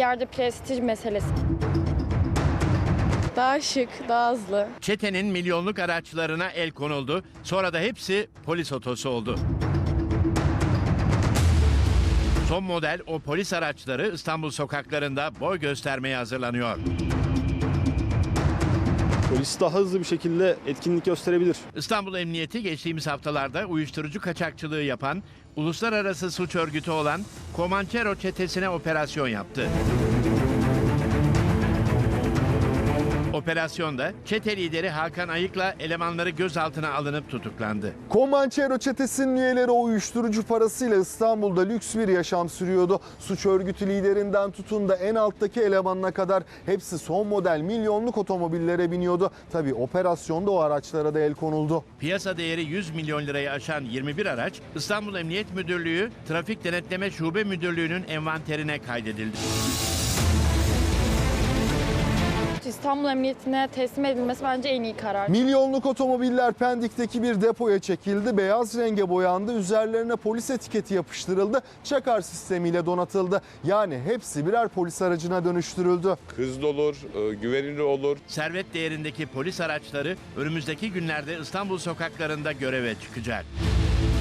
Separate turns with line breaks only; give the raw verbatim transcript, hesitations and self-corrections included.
yerde prestij meselesi.
Daha şık, daha hızlı.
Çetenin milyonluk araçlarına el konuldu. Sonra da hepsi polis otosu oldu. Son model o polis araçları İstanbul sokaklarında boy göstermeye hazırlanıyor.
Polis daha hızlı bir şekilde etkinlik gösterebilir.
İstanbul Emniyeti geçtiğimiz haftalarda uyuşturucu kaçakçılığı yapan, uluslararası suç örgütü olan Comanchero çetesine operasyon yaptı. Operasyonda çete lideri Hakan Ayık'la elemanları gözaltına alınıp tutuklandı.
Comanchero çetesinin üyeleri o uyuşturucu parasıyla İstanbul'da lüks bir yaşam sürüyordu. Suç örgütü liderinden tutun da en alttaki elemanına kadar hepsi son model milyonluk otomobillere biniyordu. Tabii operasyonda o araçlara da el konuldu.
Piyasa değeri yüz milyon lirayı aşan yirmi bir araç İstanbul Emniyet Müdürlüğü Trafik Denetleme Şube Müdürlüğü'nün envanterine kaydedildi.
İstanbul Emniyeti'ne teslim edilmesi bence en iyi karar.
Milyonluk otomobiller Pendik'teki bir depoya çekildi. Beyaz renge boyandı. Üzerlerine polis etiketi yapıştırıldı. Çakar sistemiyle donatıldı. Yani hepsi birer polis aracına dönüştürüldü.
Hızlı olur, güvenilir olur.
Servet değerindeki polis araçları önümüzdeki günlerde İstanbul sokaklarında göreve çıkacak.